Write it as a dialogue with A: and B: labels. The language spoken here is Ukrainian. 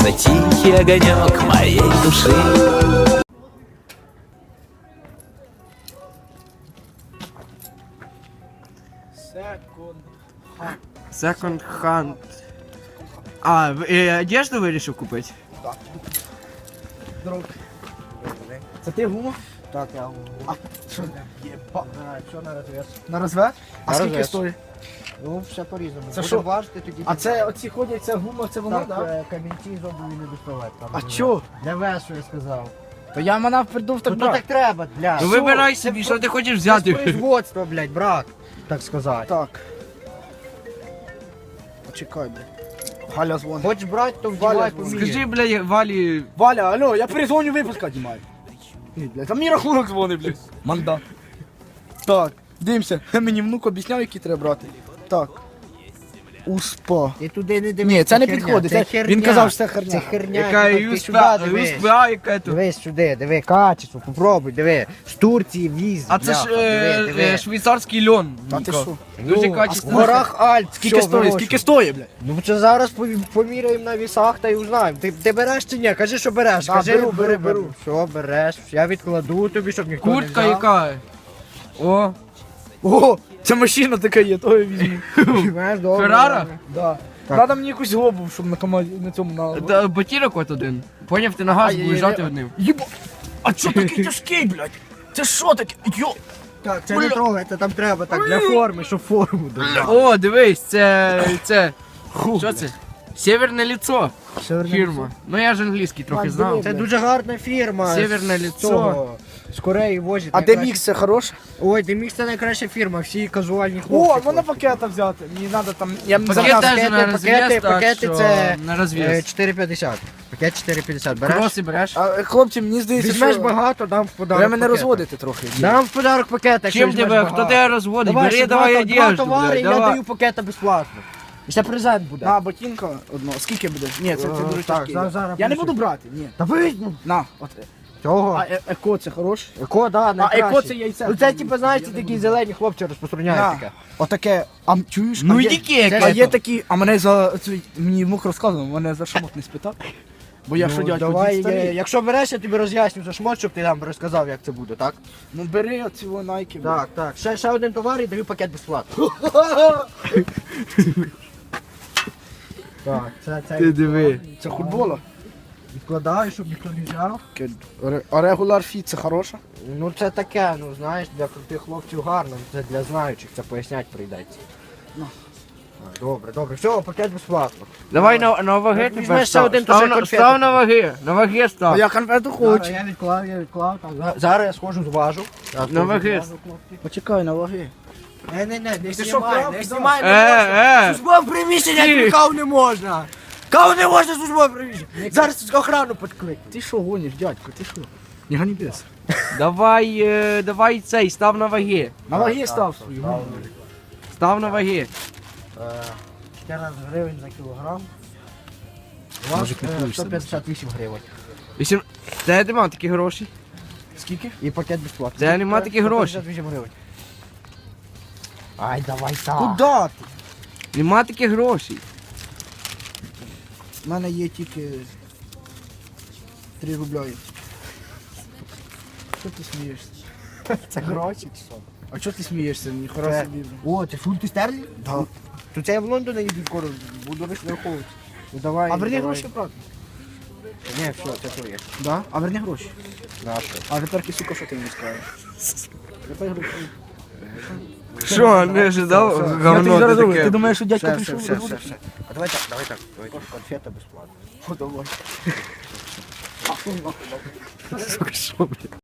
A: на тихий огонек моей души.
B: Секонд-ханд. А, одежду вирішив купити?
C: Друг. Це ти гума?
D: Так, я говорю.
C: А що? Єба.
D: Що на розв'яз?
C: На розвед? А
D: На
C: скільки
D: розв'яз.
C: стоїть?
D: Ну, все по-різному.
C: Це
D: Будемо
C: що?
D: важити, тоді...
C: А це оці ходять, це гума, це воно,
D: Так,
C: так?
D: камінці з обуві не доставати. там
C: А
D: не
C: чо?
D: Для весу, я сказав.
C: То я манав придув так
D: Ну то так
C: брат.
D: треба, блядь.
B: Ну вибирай собі, що ти хочеш взяти.
D: Це производство, блядь, брат. Так сказати.
C: Так. Почекай, блядь. Галя дзвонить.
D: Хочеш брати, то
C: Валя,
D: вдівай поміряй.
B: Скажи, блядь, Валі,
C: Валя, алло, я перезвоню випуска знімаю. Ні, блядь, там мій рахунок дзвонить, блядь. Манда. Так, дивимося. Мені внук об'ясняв, які треба брати. Так. Успа.
D: Ти туди не дивись.
C: Ні, це не
D: херня,
C: підходить.
D: Це
C: Це-
D: херня.
C: Він казав, що це херня.
D: Це херня.
B: яка
D: ти сюди дивись.
B: ЮСПА, яка тут.
D: Дивись сюди, диви, качество, попробуй, диви. З Турції віз.
B: А це ж
D: бляха, диви.
B: швейцарський льон.
C: Та ти
B: Ніко.
C: що?
B: Дуже
D: Ну, а в
B: качественно.
D: горах Альп.
C: Скільки
D: що
C: стоїть?
D: вирощує?
C: Скільки стоїть, блядь?
D: Ну це зараз поміряємо на вісах та й узнаємо. Ти береш чи ні? Кажи, що береш.
C: Да,
D: Кажи,
C: беру.
D: Що береш? Я відкладу тобі, щоб ніхто не
B: Куртка
D: взяв.
B: яка. О,
C: О, це машина така є, то я візьму.
D: Знаєш, добре,
B: Феррара?
D: добре.
C: Да.
D: Так.
C: Надо мені якусь глобу, щоб на команді на цьому на.
B: ботинок от один. Поняв, ти на газ
C: Ай,
B: будеш
C: ай,
B: жати
C: ай.
B: одним.
C: Єба. А чо такий тяжкий, блядь? Це що таке? Йо.
D: Так, це не трогай, це там треба так для форми, щоб форму дати.
B: О, дивись, це. Що це? Северне лицо. Фірма. Ну я ж англійський трохи знав.
D: Це дуже гарна фірма.
B: Северне
D: з
B: лицо.
D: цього, З Кореї возять.
C: А де мікс це хороше?
D: Ой, Демікс це найкраща фірма, всі казуальні
C: О,
D: хлопці.
C: можна пакета взяти. Мені треба там. Я
B: Пакет
C: замовляв.
B: теж на розв'яз, так
D: пакети
B: що
D: це
B: на розв'яз.
D: 4,50. Пакет 4,50. Береш?
B: Кроси береш?
C: А, хлопці, мені здається,
D: Візьмеш
C: що
D: багато, дам в подарок.
C: ви мене
D: пакета.
C: розводите трохи.
D: Дам в подарок пакет, якщо
B: Чим
D: візьмеш
B: тебе?
D: багато.
B: Хто тебе розводить?
D: Давай,
B: Бери,
D: ще
B: давай
D: два
B: одежду,
D: товари,
B: блядь,
D: і я
B: давай.
D: даю пакета безплатно. І ще презент буде.
C: На, ботинка одно. Скільки буде? Ні, це дуже
D: так,
C: тяжкий.
D: зараз
C: Я не
D: пишу.
C: буду брати, ні.
D: Та візьму.
C: На, от.
D: Цього.
C: А еко це хороше?
D: Еко, да,
C: А
D: найкраще.
C: еко це яйця.
D: Ну це типу, знаєш, ці такі зелені хлопці розпространяють
C: На.
D: таке.
C: Отаке. А чуєш?
B: Ну
C: а є-
B: іди кека.
C: А є такі, а мене за мені внук розказував, мене за шмот не спитав. Бо я що
D: Ну,
C: дядько,
D: давай,
C: дід старий.
D: якщо береш, я тобі роз'ясню за шмот, щоб ти нам розказав, як це буде, так?
C: Ну бери оці найки.
D: Так, так. Ще один товар і даю пакет безплатно. Так, це
B: Ти диви.
C: Це футбола.
D: відкладаю, щоб ніхто не взяв.
C: А регуляр фіт це хороше?
D: Ну це таке, ну знаєш, для крутих хлопців гарно, це для знаючих, це пояснять прийдеться.
C: Ну.
D: Так, добре, добре. Все, пакет безплатно.
B: Давай на ваги
D: Як
B: тепер
D: візьмеш ще
B: став.
D: один, то
B: Став
D: ще
B: на-
D: конфети.
B: Став на ваги. На ваги
C: А
B: став.
C: я конфету
D: Зараз
C: хочу.
D: я відклав. Так. Зараз я схожу, зважу.
B: На ваги.
C: Почекай на ваги.
D: Не
C: що,
D: знімай,
C: прав?
D: не
C: Да.
D: знімай, не можна.
B: Е.
D: Службове приміщення,
B: Ти.
D: кав не можна. Кав не можна службове приміщення. Зараз охрану підклик.
C: Ти що гониш, дядько, ти що? Не гони без.
B: Давай цей, став на ваги.
C: На ваги став свою.
B: Став на ваги.
D: 14 гривень за кілограм. У вас
C: Мужик, не купуєш собі.
D: 158 гривень.
B: Де нема такі гроші?
C: Скільки?
D: І пакет безплатний.
B: Це нема таких грошей.
D: 158 гривень. Ай, давай так.
C: Куда ти?
B: Нема таких грошей.
C: У мене є тільки 3 рубля. Що ти смієшся?
D: Це гроші чи що?
C: А чого ти смієшся? Ніхера
D: Це-
C: собі.
D: О, ти фунти стерлі?
C: Да.
D: То це я в Лондон їду скоро, буду розраховувати. Ну давай.
C: А верні
D: давай.
C: гроші, правда?
D: Ні, все, це твоє.
C: Да? А верні гроші.
D: Наше.
C: А тепер сука, що ти мені скажеш? Тепер гроші.
B: Що, не ожидав?
C: Я тобі
B: Говно
C: зараз
B: ти
C: говорю, ти
B: таке.
C: думаєш, що дядько
D: Все,
C: прийшов?
D: все, все, все. А давай так, давай так. Конфета безплатно.
C: О, давай.
B: Сука, що, блядь?